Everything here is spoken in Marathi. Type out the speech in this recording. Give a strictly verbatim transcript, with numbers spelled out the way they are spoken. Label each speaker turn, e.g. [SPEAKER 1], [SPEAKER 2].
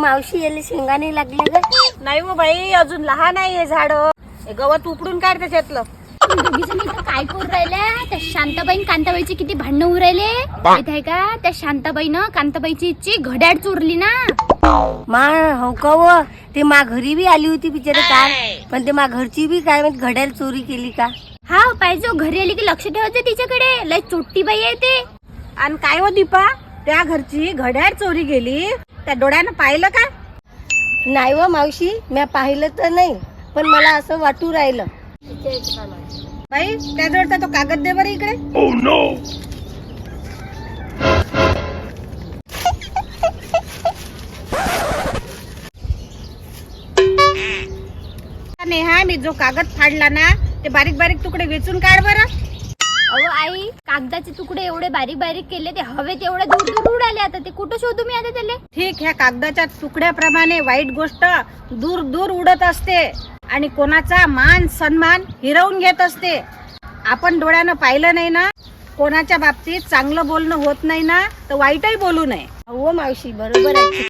[SPEAKER 1] मावशी याला शेंगा नाही लागले का?
[SPEAKER 2] नाही हो बाई, अजून लहान आहे हे झाड. हे गवत उपडून काढ त्याच्यातलं.
[SPEAKER 3] दोघी जणी इथं काय करू राहिल्या? त्या शांताबाई आणि कांताबाईचे किती भांडणं होऊ राहिले माहित आहे का? त्या शांताबाईनं कांताबाईची इच्छी घड्याळ चोरली ना.
[SPEAKER 1] मा हो का व? ते मा घरी बी आली होती बिचारे काल, पण ते मा घरची बी काय माहित घड्याळ चोरी केली का?
[SPEAKER 3] हा पाहिजे, घरी आली की लक्ष ठेवायचं तिच्याकडे. लय चोट्टी बाई आहे ते.
[SPEAKER 2] आणि काय हो दीपा, त्या घरची घड्याळ चोरी गेली, त्या डोळ्यानं पाहिलं का?
[SPEAKER 1] नाही व मावशी, मी पाहिलं तर नाही, पण मला असं वाटू राहिलं.
[SPEAKER 2] बाई त्याजवळचा तो कागद दे बरं इकडे. नेहा, मी जो कागद फाडला ना ते बारीक बारीक तुकडे वेचून काढ बरं.
[SPEAKER 3] अहो आई, कागदाचे तुकडे एवढे बारीक बारीक केले, ते हवेत एवढे दूर दूर उडाले. आता ते कुठं शोधू मी आता त्याले?
[SPEAKER 2] ठीक, ह्या कागदाच्या तुकड्याप्रमाणे वाईट गोष्ट दूर दूर उडत असते आणि कोणाचा मान सन्मान हिरवून घेत असते. आपण डोळ्यानं पाहिलं नाही ना, कोणाच्या बाबतीत चांगलं बोलणं होत नाही ना, तर वाईटही बोलू नये.
[SPEAKER 1] हो मावशी, बरोबर आहे.